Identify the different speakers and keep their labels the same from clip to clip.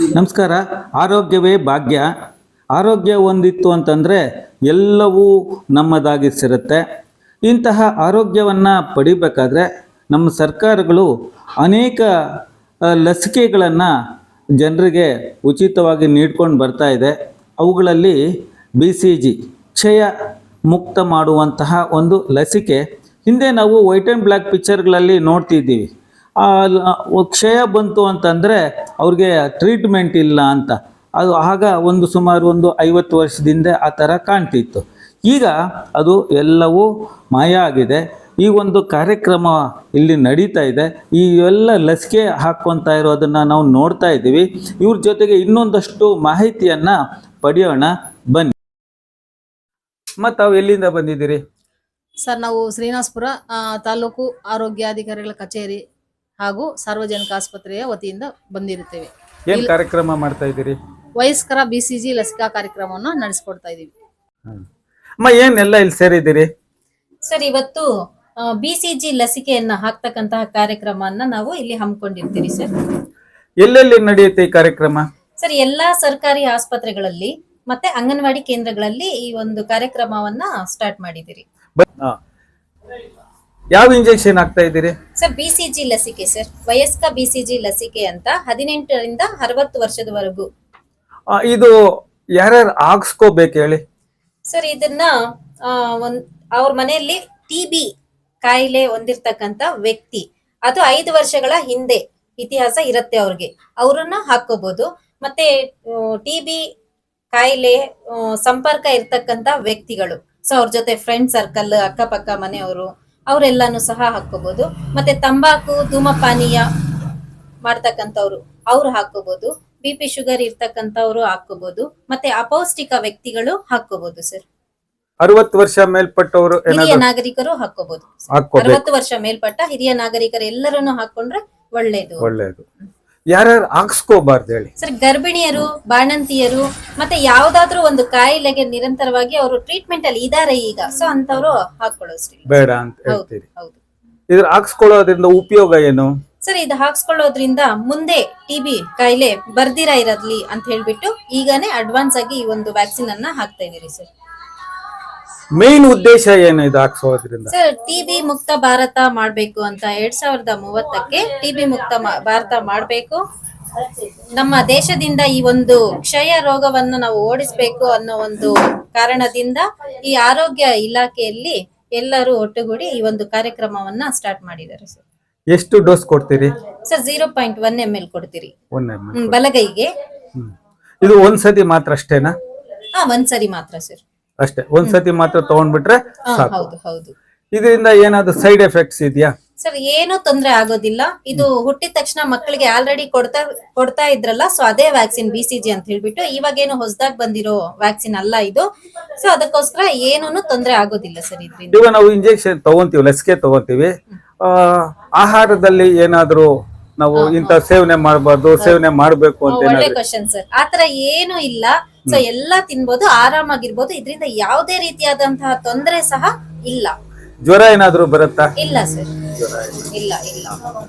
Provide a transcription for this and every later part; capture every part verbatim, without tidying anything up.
Speaker 1: ನಮಸ್ಕಾರ. ಆರೋಗ್ಯವೇ ಭಾಗ್ಯ. ಆರೋಗ್ಯ ಒಂದಿತ್ತು ಅಂತಂದರೆ ಎಲ್ಲವೂ ನಮ್ಮದಾಗಿಸಿರುತ್ತೆ. ಇಂತಹ ಆರೋಗ್ಯವನ್ನು ಪಡಿಬೇಕಾದ್ರೆ ನಮ್ಮ ಸರ್ಕಾರಗಳು ಅನೇಕ ಲಸಿಕೆಗಳನ್ನು ಜನರಿಗೆ ಉಚಿತವಾಗಿ ನೀಡ್ಕೊಂಡು ಬರ್ತಾ ಇದೆ. ಅವುಗಳಲ್ಲಿ ಬಿ ಸಿ ಜಿ ಕ್ಷಯ ಮುಕ್ತ ಮಾಡುವಂತಹ ಒಂದು ಲಸಿಕೆ ಹಿಂದೆ ನಾವು ವೈಟ್ ಆ್ಯಂಡ್ ಬ್ಲ್ಯಾಕ್ ಪಿಕ್ಚರ್ಗಳಲ್ಲಿ ನೋಡ್ತಿದ್ದೀವಿ. ಕ್ಷಯ ಬಂತು ಅಂತಂದರೆ ಅವ್ರಿಗೆ ಟ್ರೀಟ್ಮೆಂಟ್ ಇಲ್ಲ ಅಂತ. ಅದು ಆಗ ಒಂದು ಸುಮಾರು ಒಂದು ಐವತ್ತು ವರ್ಷದಿಂದ ಆ ಥರ ಕಾಣ್ತಿತ್ತು. ಈಗ ಅದು ಎಲ್ಲವೂ ಮಾಯ ಆಗಿದೆ. ಈ ಒಂದು ಕಾರ್ಯಕ್ರಮ ಇಲ್ಲಿ ನಡೀತಾ ಇದೆ. ಈ ಎಲ್ಲ ಲಸಿಕೆ ಹಾಕ್ಕೊತಾ ಇರೋದನ್ನು ನಾವು ನೋಡ್ತಾ ಇದ್ದೀವಿ. ಇವ್ರ ಜೊತೆಗೆ ಇನ್ನೊಂದಷ್ಟು ಮಾಹಿತಿಯನ್ನು ಪಡೆಯೋಣ ಬನ್ನಿ. ಮತ್ತು ತಾವು ಎಲ್ಲಿಂದ ಬಂದಿದ್ದೀರಿ
Speaker 2: ಸರ್? ನಾವು ಶ್ರೀನಿವಾಸಪುರ ತಾಲೂಕು ಆರೋಗ್ಯಾಧಿಕಾರಿಗಳ ಕಚೇರಿ ಹಾಗೂ ಸಾರ್ವಜನಿಕ ಆಸ್ಪತ್ರೆಯ ವತಿಯಿಂದ ಬಂದಿರುತ್ತೇವೆ.
Speaker 1: ಏನು ಕಾರ್ಯಕ್ರಮ ಮಾಡ್ತಾ ಇದ್ದೀರಿ?
Speaker 2: ವಯಸ್ಕರ ಬಿಸಿಜಿ ಲಸಿಕಾ ಕಾರ್ಯಕ್ರಮವನ್ನು ನಡೆಸಿಕೊಡ್ತಾ ಇದ್ದೀವಿ.
Speaker 1: ಅಮ್ಮ, ಏನೆಲ್ಲ ಇಲ್ಲಿ ಸೇರಿದ್ದೀರಿ?
Speaker 2: ಸರ್, ಇವತ್ತು ಬಿಸಿಜಿ ಲಸಿಕೆಯನ್ನ ಹಾಕ್ತಕ್ಕಂತಹ ಕಾರ್ಯಕ್ರಮವನ್ನ ನಾವು ಇಲ್ಲಿ ಹಮ್ಮಿಕೊಂಡಿರ್ತೀವಿ. ಸರ್,
Speaker 1: ಎಲ್ಲೆಲ್ಲಿ ನಡೆಯುತ್ತೆ ಈ ಕಾರ್ಯಕ್ರಮ?
Speaker 2: ಸರ್, ಎಲ್ಲಾ ಸರ್ಕಾರಿ ಆಸ್ಪತ್ರೆಗಳಲ್ಲಿ ಮತ್ತೆ ಅಂಗನವಾಡಿ ಕೇಂದ್ರಗಳಲ್ಲಿ ಈ ಒಂದು ಕಾರ್ಯಕ್ರಮವನ್ನ ಸ್ಟಾರ್ಟ್ ಮಾಡಿದಿರಿ.
Speaker 1: ಯಾವ ಇಂಜೆಕ್ಷನ್ ಹಾಕ್ತಾ ಇದ್ದೀರಿ?
Speaker 2: ಸರ್, ಬಿಸಿಜಿ ಲಸಿಕೆ ಸರ್, ವಯಸ್ಕ ಬಿಸಿಜಿ ಲಸಿಕೆ ಅಂತ ಹದಿನೆಂಟರಿಂದ ಅರವತ್ತು ವರ್ಷದವರೆಗೂ.
Speaker 1: ಇದು ಯಾರ್ಯಾರು ಹಾಕ್ಸ್ಕೋಬೇಕು ಹೇಳಿ?
Speaker 2: ಸರ್, ಇದನ್ನ ಒಂದ್ ಅವ್ರ ಮನೆಯಲ್ಲಿ ಟಿ ಬಿ ಕಾಯಿಲೆ ಹೊಂದಿರ್ತಕ್ಕಂತ ವ್ಯಕ್ತಿ, ಅದು ಐದು ವರ್ಷಗಳ ಹಿಂದೆ ಇತಿಹಾಸ ಇರುತ್ತೆ ಅವ್ರಿಗೆ, ಅವ್ರನ್ನ ಹಾಕೋಬಹುದು. ಮತ್ತೆ ಟಿ ಬಿ ಕಾಯಿಲೆ ಸಂಪರ್ಕ ಇರ್ತಕ್ಕಂತ ವ್ಯಕ್ತಿಗಳು, ಸೊ ಅವ್ರ ಜೊತೆ ಫ್ರೆಂಡ್ ಸರ್ಕಲ್, ಅಕ್ಕಪಕ್ಕ ಮನೆಯವರು, ಅವರೆಲ್ಲಾನು ಸಹ ಹಾಕೋಬಹುದು. ಮತ್ತೆ ತಂಬಾಕು ಧೂಮಪಾನೀಯ ಮಾಡ್ತಕ್ಕಂಥವ್ರು ಅವ್ರು ಹಾಕೋಬಹುದು. ಬಿ ಪಿ ಶುಗರ್ ಇರ್ತಕ್ಕಂಥವ್ರು ಹಾಕೋಬಹುದು. ಮತ್ತೆ ಅಪೌಷ್ಟಿಕ ವ್ಯಕ್ತಿಗಳು ಹಾಕೋಬಹುದು. ಸರ್,
Speaker 1: ಅರವತ್ತು ವರ್ಷ ಮೇಲ್ಪಟ್ಟವರು,
Speaker 2: ಹಿರಿಯ ನಾಗರಿಕರು ಹಾಕೋಬಹುದು. ಅರವತ್ತು ವರ್ಷ ಮೇಲ್ಪಟ್ಟ ಹಿರಿಯ ನಾಗರಿಕರು ಎಲ್ಲರನ್ನು ಹಾಕೊಂಡ್ರೆ ಒಳ್ಳೇದು.
Speaker 1: ಒಳ್ಳೇದು. ಯಾರ್ಯಾರು ಹಾಕ್ಸ್ಕೋಬಾರ್ದು ಹೇಳಿ?
Speaker 2: ಸರ್, ಗರ್ಭಿಣಿಯರು, ಬಾಣಂತಿಯರು, ಮತ್ತೆ ಯಾವ್ದಾದ್ರು ಒಂದು ಕಾಯಿಲೆಗೆ ನಿರಂತರವಾಗಿ ಅವರು ಟ್ರೀಟ್ಮೆಂಟ್ ಅಲ್ಲಿ ಇದಾರೆ ಈಗ, ಸೊ ಅಂತವ್ರು ಹಾಕೊಳ್ಳೋದ್ರಿ
Speaker 1: ಬೇಡ ಅಂತ ಹೇಳ್ತೀರಿ. ಹೌದು. ಇದ್ರ ಹಾಕ್ಸ್ಕೊಳ್ಳೋದ್ರಿಂದ ಉಪಯೋಗ ಏನು?
Speaker 2: ಸರ್, ಇದು ಹಾಕ್ಸ್ಕೊಳ್ಳೋದ್ರಿಂದ ಮುಂದೆ ಟಿ ಬಿ ಕಾಯಿಲೆ ಬರ್ದಿರ ಇರಲಿ ಅಂತ ಹೇಳ್ಬಿಟ್ಟು ಈಗಾನೇ ಅಡ್ವಾನ್ಸ್ ಆಗಿ ಈ ಒಂದು ವ್ಯಾಕ್ಸಿನ್ ಅನ್ನ ಹಾಕ್ತಾ ಇದೀರಿ. ಸರ್,
Speaker 1: ಮೇನ್ ಉದ್ದೇಶ ಏನು ಇದು ಹಾಕ್ಸೋದ್ರಿಂದ?
Speaker 2: ಸರ್, ಟಿಬಿ ಮುಕ್ತ ಭಾರತ ಮಾಡ್ಬೇಕು ಅಂತ ಎರಡ್ ಸಾವಿರದ ಮೂವತ್ತಕ್ಕೆ ಟಿಬಿ ಮುಕ್ತ ಭಾರತ ಮಾಡ್ಬೇಕು, ನಮ್ಮ ದೇಶದಿಂದ ಈ ಒಂದು ಕ್ಷಯ ರೋಗವನ್ನು ನಾವು ಓಡಿಸ್ಬೇಕು ಅನ್ನೋ ಒಂದು ಕಾರಣದಿಂದ ಈ ಆರೋಗ್ಯ ಇಲಾಖೆಯಲ್ಲಿ ಎಲ್ಲರೂ ಒಟ್ಟುಗೂಡಿ ಈ ಒಂದು ಕಾರ್ಯಕ್ರಮವನ್ನ ಸ್ಟಾರ್ಟ್ ಮಾಡಿದ್ದಾರೆ. ಸರ್,
Speaker 1: ಎಷ್ಟು ಡೋಸ್ ಕೊಡ್ತೀರಿ?
Speaker 2: Sir, zero point one M L ಕೊಡ್ತೀರಿ
Speaker 1: ಒನ್ ಎಂ ಎಲ್
Speaker 2: ಬಲಗೈಗೆ.
Speaker 1: ಇದು ಒಂದ್ಸತಿ ಮಾತ್ರ ಅಷ್ಟೇನಾ?
Speaker 2: ಹಾ, ಒಂದ್ಸರಿ ಮಾತ್ರ ಸರ್,
Speaker 1: ಅಷ್ಟೇ. ಒಂದ್ಸತಿ ಮಾತ್ರ ತಗೊಂಡ್ಬಿಟ್ರೆ ಸಾಕು.
Speaker 2: ಹೌದು ಹೌದು.
Speaker 1: ಇದರಿಂದ ಏನಾದ್ರು ಸೈಡ್ ಎಫೆಕ್ಟ್ಸ್ ಇದೆಯಾ?
Speaker 2: ಸರ್, ಏನು ತೊಂದರೆ ಆಗೋದಿಲ್ಲ. ಇದು ಹುಟ್ಟಿದ ತಕ್ಷಣ ಮಕ್ಕಳಿಗೆ ಆಲ್ರೆಡಿ ಕೊಡ್ತಾ ಕೊಡ್ತಾ ಇದ್ರಲ್ಲ, ಸೊ ಅದೇ ವ್ಯಾಕ್ಸಿನ್ ಬಿಸಿಜಿ ಅಂತ ಹೇಳ್ಬಿಟ್ಟು ಇವಾಗೇನು ಹೊಸದಾಗಿ ಬಂದಿರೋ ವ್ಯಾಕ್ಸಿನ್ ಅಲ್ಲ ಇದು. ಸೊ ಅದಕ್ಕೋಸ್ಕರ ಏನೂನು ತೊಂದರೆ ಆಗೋದಿಲ್ಲ ಸರ್ ಇದ್ರಿಂದ.
Speaker 1: ಇವಾಗ ನಾವು ಇಂಜೆಕ್ಷನ್ ತಗೊಂತೀವಿ, ಲಸಿಕೆ ತಗೊಂತೀವಿ, ಆಹಾರದಲ್ಲಿ ಏನಾದ್ರು ನಾವು ಇಂತ ಸೇವನೆ ಮಾಡಬಾರ್ದು, ಸೇವನೆ ಮಾಡ್ಬೇಕು ಅಂತ?
Speaker 2: ಒಳ್ಳೆ ಕ್ವಶನ್ ಸರ್. ಆತರ ಏನು ಇಲ್ಲ. ಸೊ ಎಲ್ಲಾ ತಿನ್ಬೋದು, ಆರಾಮಾಗಿರ್ಬೋದು. ಇದರಿಂದ ಯಾವುದೇ ರೀತಿಯಾದಂತಹ ತೊಂದರೆ ಸಹ ಇಲ್ಲ.
Speaker 1: ಜ್ವರ ಏನಾದ್ರು ಬರುತ್ತಾ?
Speaker 2: ಇಲ್ಲ ಸರ್, ಇಲ್ಲ ಇಲ್ಲ.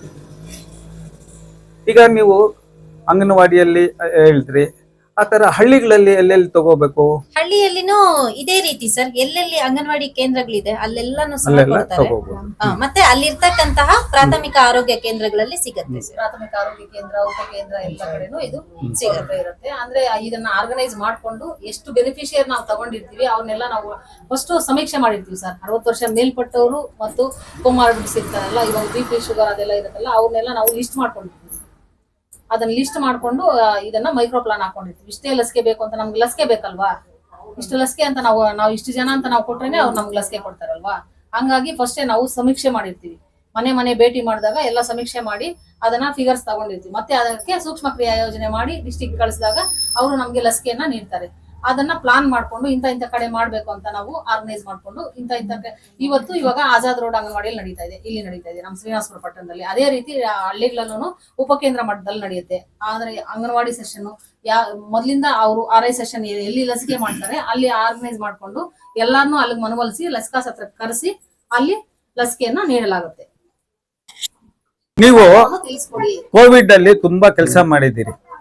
Speaker 1: ಈಗ ನೀವು ಅಂಗನವಾಡಿಯಲ್ಲಿ ಹೇಳಿದ್ರಿ, ಆತರ ಹಳ್ಳಿಗಳಲ್ಲಿ ಎಲ್ಲೆಲ್ಲಿ ತಗೋಬೇಕು?
Speaker 2: ಹಳ್ಳಿಯಲ್ಲಿನೂ ಇದೇ ರೀತಿ ಸರ್, ಎಲ್ಲೆಲ್ಲಿ ಅಂಗನವಾಡಿ ಕೇಂದ್ರಗಳಿದೆ ಅಲ್ಲೆಲ್ಲಾನು ಸಹ ಕೊಡ್ತಾರೆ. ಮತ್ತೆ ಅಲ್ಲಿರ್ತಕ್ಕಂತಹ ಪ್ರಾಥಮಿಕ ಆರೋಗ್ಯ ಕೇಂದ್ರಗಳಲ್ಲಿ ಸಿಗುತ್ತೆ.
Speaker 3: ಪ್ರಾಥಮಿಕ ಆರೋಗ್ಯ ಕೇಂದ್ರ, ಉಪ ಕೇಂದ್ರ ಎಲ್ಲ ಕಡೆನೂ ಇದು ಸಿಗುತ್ತೆ ಇರುತ್ತೆ. ಅಂದ್ರೆ ಇದನ್ನ ಆರ್ಗನೈಸ್ ಮಾಡ್ಕೊಂಡು ಎಷ್ಟು ಬೆನಿಫಿಷಿಯರ್ ನಾವು ತಗೊಂಡಿರ್ತೀವಿ ಅವ್ರನ್ನೆಲ್ಲ ನಾವು ಫಸ್ಟ್ ಸಮೀಕ್ಷೆ ಮಾಡಿರ್ತೀವಿ ಸರ್. ಅರವತ್ತು ವರ್ಷ ಮೇಲ್ಪಟ್ಟವರು ಮತ್ತು ಕೋಮಾರ್ಬಿಡ್ಸ್ ಇರ್ತಾರಲ್ಲ, ಇವಾಗ ಬಿ ಪಿ ಶುಗರ್ ಅದೆಲ್ಲ ಇರುತ್ತಲ್ಲ, ಅವ್ರನ್ನೆಲ್ಲ ನಾವು ಲಿಸ್ಟ್ ಮಾಡ್ಕೊಂಡಿರ್ತೀವಿ. ಅದನ್ನ ಲಿಸ್ಟ್ ಮಾಡ್ಕೊಂಡು ಇದನ್ನ ಮೈಕ್ರೋ ಪ್ಲಾನ್ ಹಾಕೊಂಡಿರ್ತೀವಿ. ಇಷ್ಟೇ ಲಸಿಕೆ ಬೇಕು ಅಂತ, ನಮ್ಗೆ ಲಸಿಕೆ ಬೇಕಲ್ವಾ, ಇಷ್ಟು ಲಸಿಕೆ ಅಂತ ನಾವು ನಾವು ಇಷ್ಟು ಜನ ಅಂತ ನಾವು ಕೊಟ್ರೇನೆ ಅವ್ರು ನಮ್ಗೆ ಲಸಿಕೆ ಕೊಡ್ತಾರಲ್ವಾ. ಹಂಗಾಗಿ ಫಸ್ಟೇ ನಾವು ಸಮೀಕ್ಷೆ ಮಾಡಿರ್ತೀವಿ. ಮನೆ ಮನೆ ಭೇಟಿ ಮಾಡಿದಾಗ ಎಲ್ಲ ಸಮೀಕ್ಷೆ ಮಾಡಿ ಅದನ್ನ ಫಿಗರ್ಸ್ ತಗೊಂಡಿರ್ತೀವಿ. ಮತ್ತೆ ಅದಕ್ಕೆ ಸೂಕ್ಷ್ಮ ಕ್ರಿಯಾ ಯೋಜನೆ ಮಾಡಿ ಡಿಸ್ಟಿಕ್ ಕಳಿಸಿದಾಗ ಅವರು ನಮ್ಗೆ ಲಸಿಕೆಯನ್ನ ನೀಡ್ತಾರೆ. ಅದನ್ನ ಪ್ಲಾನ್ ಮಾಡ್ಕೊಂಡು ಇಂತ ಇಂತ ಕಡೆ ಮಾಡ್ಬೇಕು ಅಂತ ನಾವು ಆರ್ಗನೈಸ್ ಮಾಡ್ಕೊಂಡು ಇಂತ ಇಂತ ಇವತ್ತು ಇವಾಗ ಆಜಾದ್ ರೋಡ್ ಅಂಗನವಾಡಿಯಲ್ಲಿ ನಡೀತಾ ಇದೆ, ಇಲ್ಲಿ ನಡೀತಾ ಇದೆ ನಮ್ಮ ಶ್ರೀನಿವಾಸಪುರ ಪಟ್ಟಣದಲ್ಲಿ. ಅದೇ ರೀತಿ ಹಳ್ಳಿಗಳಲ್ಲೂ ಉಪಕೇಂದ್ರ ಮಟ್ಟದಲ್ಲಿ ನಡೆಯುತ್ತೆ. ಆದ್ರೆ ಅಂಗನವಾಡಿ ಸೆಷನ್ ಯಾ ಮೊದ್ಲಿಂದ ಅವರು ಆರ್ ಐ ಸೆಷನ್ ಎಲ್ಲಿ ಲಸಿಕೆ ಮಾಡ್ತಾರೆ ಅಲ್ಲಿ ಆರ್ಗನೈಸ್ ಮಾಡ್ಕೊಂಡು ಎಲ್ಲಾರನ್ನೂ ಅಲ್ಲಿಗೆ ಮನವೊಲಿಸಿ ಲಸಿಕಾ ಸತ್ರ ಕರೆಸಿ ಅಲ್ಲಿ ಲಸಿಕೆಯನ್ನ ನೀಡಲಾಗುತ್ತೆ.
Speaker 1: ನೀವು ಕೋವಿಡ್ ಅಲ್ಲಿ ತುಂಬಾ ಕೆಲಸ ಮಾಡಿದ್ದೀರಿ,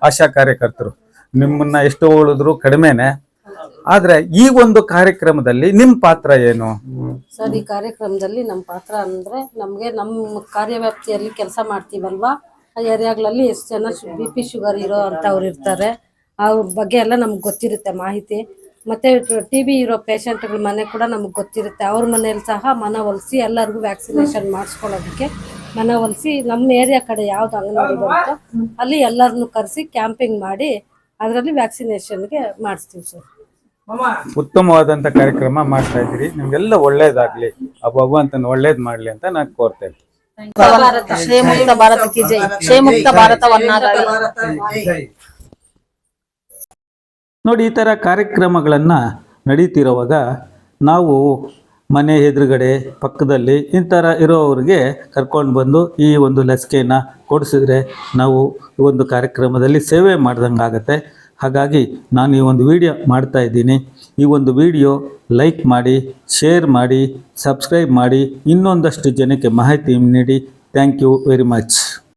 Speaker 1: ಆಶಾ ಕಾರ್ಯಕರ್ತರು. ನಿಮ್ಮನ್ನ ಎಷ್ಟು ಹೋಳಿದ್ರು ಕಡಿಮೆನೆ. ಆದ್ರೆ ಈ ಒಂದು ಕಾರ್ಯಕ್ರಮದಲ್ಲಿ ನಿಮ್ಮ ಪಾತ್ರ ಏನು?
Speaker 4: ಸರ್, ಈ ಕಾರ್ಯಕ್ರಮದಲ್ಲಿ ನಮ್ಮ ಪಾತ್ರ ಅಂದರೆ ನಮಗೆ ನಮ್ಮ ಕಾರ್ಯವ್ಯಾಪ್ತಿಯಲ್ಲಿ ಕೆಲಸ ಮಾಡ್ತೀವಲ್ವಾ, ಆ ಏರಿಯಾಗಳಲ್ಲಿ ಎಷ್ಟು ಜನ ಬಿ ಪಿ ಶುಗರ್ ಇರೋ ಅಂಥವ್ರು ಇರ್ತಾರೆ, ಅವ್ರ ಬಗ್ಗೆ ಎಲ್ಲ ನಮ್ಗೆ ಗೊತ್ತಿರುತ್ತೆ ಮಾಹಿತಿ. ಮತ್ತು ಟಿ ಬಿ ಇರೋ ಪೇಷಂಟ್ಗಳ ಮನೆ ಕೂಡ ನಮಗೆ ಗೊತ್ತಿರುತ್ತೆ. ಅವ್ರ ಮನೇಲಿ ಸಹ ಮನವೊಲಿಸಿ ಎಲ್ಲರಿಗೂ ವ್ಯಾಕ್ಸಿನೇಷನ್ ಮಾಡಿಸ್ಕೊಳ್ಳೋದಕ್ಕೆ ಮನವೊಲಿಸಿ ನಮ್ಮ ಏರಿಯಾ ಕಡೆ ಯಾವ್ದು ಅಂಗನವಾಡಿ ಬರುತ್ತೋ ಅಲ್ಲಿ ಎಲ್ಲರನ್ನೂ ಕರೆಸಿ ಕ್ಯಾಂಪಿಂಗ್ ಮಾಡಿ ಅದರಲ್ಲಿ ವ್ಯಾಕ್ಸಿನೇಷನ್ಗೆ ಮಾಡಿಸ್ತೀವಿ ಸರ್.
Speaker 1: ಉತ್ತಮವಾದಂತ ಕಾರ್ಯಕ್ರಮ ಮಾಡ್ತಾ ಇದ್ದೀರಿ. ನಿಮ್ಗೆಲ್ಲ ಒಳ್ಳೇದಾಗ್ಲಿ, ಆ ಭಗವಂತನ ಒಳ್ಳೇದ್ ಮಾಡ್ಲಿ ಅಂತ ನಾನು ಕೋರ್ತೇನೆ.
Speaker 3: ಶ್ರೇಮುಕ್ತ ಭಾರತಕ್ಕೆ ಜೈ. ಶ್ರೇಮುಕ್ತ ಭಾರತವನ್ನಾಗಲಿ.
Speaker 1: ನೋಡಿ, ಈ ಥರ ಕಾರ್ಯಕ್ರಮಗಳನ್ನು ನಡೀತಿರುವಾಗ ನಾವು ಮನೆ ಎದುರುಗಡೆ ಪಕ್ಕದಲ್ಲಿ ಈ ಥರ ಇರೋವ್ರಿಗೆ ಕರ್ಕೊಂಡು ಬಂದು ಈ ಒಂದು ಲಸಿಕೆಯನ್ನು ಕೊಡಿಸಿದ್ರೆ ನಾವು ಈ ಒಂದು ಕಾರ್ಯಕ್ರಮದಲ್ಲಿ ಸೇವೆ ಮಾಡ್ದಂಗೆ ಆಗುತ್ತೆ. ಹಾಗಾಗಿ ನಾನು ಈ ಒಂದು ವಿಡಿಯೋ ಮಾಡ್ತಾ ಇದ್ದೀನಿ. ಈ ಒಂದು ವಿಡಿಯೋ ಲೈಕ್ ಮಾಡಿ, ಶೇರ್ ಮಾಡಿ, ಸಬ್ಸ್ಕ್ರೈಬ್ ಮಾಡಿ, ಇನ್ನೊಂದಷ್ಟು ಜನಕ್ಕೆ ಮಾಹಿತಿ ನೀಡಿ. Thank you very much.